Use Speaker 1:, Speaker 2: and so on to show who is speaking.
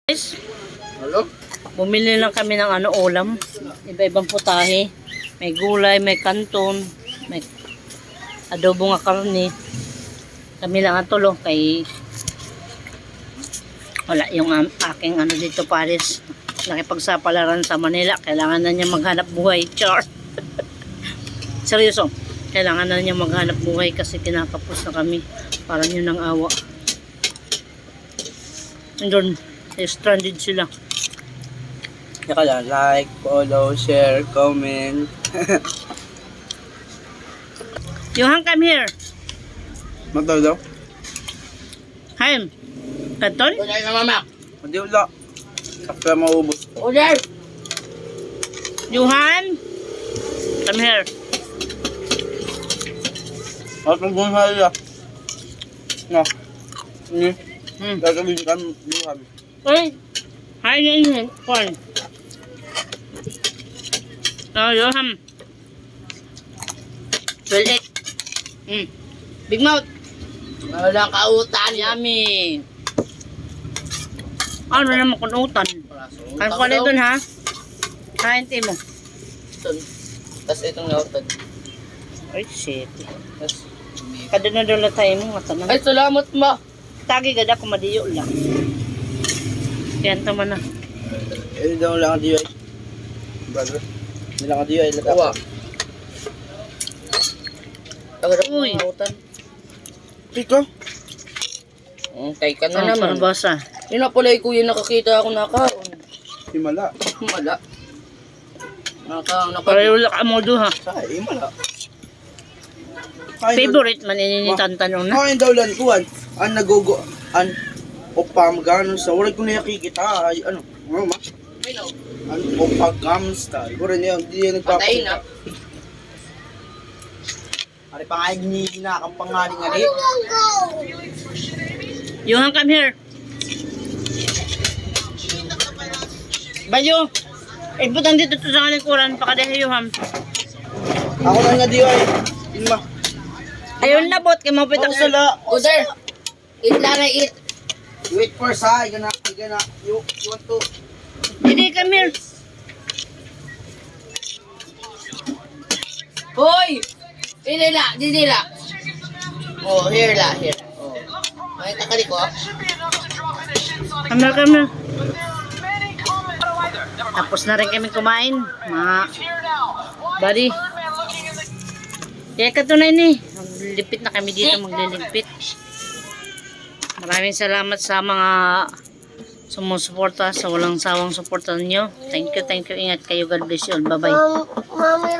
Speaker 1: Guys,
Speaker 2: Hello?
Speaker 1: bumili lang kami ng ulam. Iba-ibang putahe. May gulay, may kanton, may adobo nga karne. Kami lang ang tulo kay wala yung aking dito Paris. Nakipagsapalaran sa Manila. Kailangan na niya maghanap buhay. Char. Seryoso. Kailangan na niya maghanap buhay kasi kinakapos na kami. Parang yun ang awa. Doon. Stranded sila.
Speaker 2: Tsaka lang, like, follow, share, comment.
Speaker 1: Johan, come here.
Speaker 2: Mataw daw?
Speaker 1: Hi. Kanton?
Speaker 2: Wala na mama. Hindi wala. Sakla maubos.
Speaker 1: Order. Johan, come here.
Speaker 2: At mag-bunhay ya. No. Ini.
Speaker 1: Hmm.
Speaker 2: Gagawin kami buhan.
Speaker 1: Uy, hi din. Kwan. Johan. Well, Big mouth.
Speaker 2: Wala ka utan.
Speaker 1: Yummy. Ano naman kunutan? Kan ko na dun ha? Kain mo.
Speaker 2: Tapos itong nautan.
Speaker 1: Ay, shit.
Speaker 2: Tapos,
Speaker 1: Kada na doon tayo mo nga tanan.
Speaker 2: ay, salamat ma.
Speaker 1: Tagi gada ko madiyo lang. Yan tama na.
Speaker 2: Eh, daw lang ang diyo ay. Brother. Hindi lang ang diyo ay. Uwa.
Speaker 1: Uy.
Speaker 2: Pika. Kay ka na
Speaker 1: Parang
Speaker 2: naman.
Speaker 1: basa.
Speaker 2: Yun na pala kuya nakakita ako nakaon. Himala. Himala.
Speaker 1: Pareho lang ka mo doon ha.
Speaker 2: Sa himala.
Speaker 1: Favorite man ininitan tanong na.
Speaker 2: Kain daw lan kuan. An nagogo an opam ganon sa wala ko na nakikita ay ano ma. An opagam style. Wala niya di nagpapatay na. Ari pa nga ni ginakang pangaling ali.
Speaker 1: Johan, come here. Bayo. Ibutang dito to sa likuran. Pakadahe, Johan.
Speaker 2: Ako na nga diyo ay. Ima.
Speaker 1: Ayun na, bot. Kaya mapitak sa...
Speaker 2: Sala.
Speaker 3: Uder, eat lang na eat.
Speaker 2: Wait for sa igana you want to.
Speaker 1: Hindi, come here.
Speaker 3: Hoy! Didila. Oh, here la, here. Oh. Makita ka ko.
Speaker 1: Come here, come here. Tapos na rin kami kumain. Mga... Buddy. Kaya katunay ni. Maglilipit na kami dito, maglilipit. Maraming salamat sa mga sumusuporta, sa walang sawang suporta ninyo. Thank you. Ingat kayo. God bless you all. Bye-bye.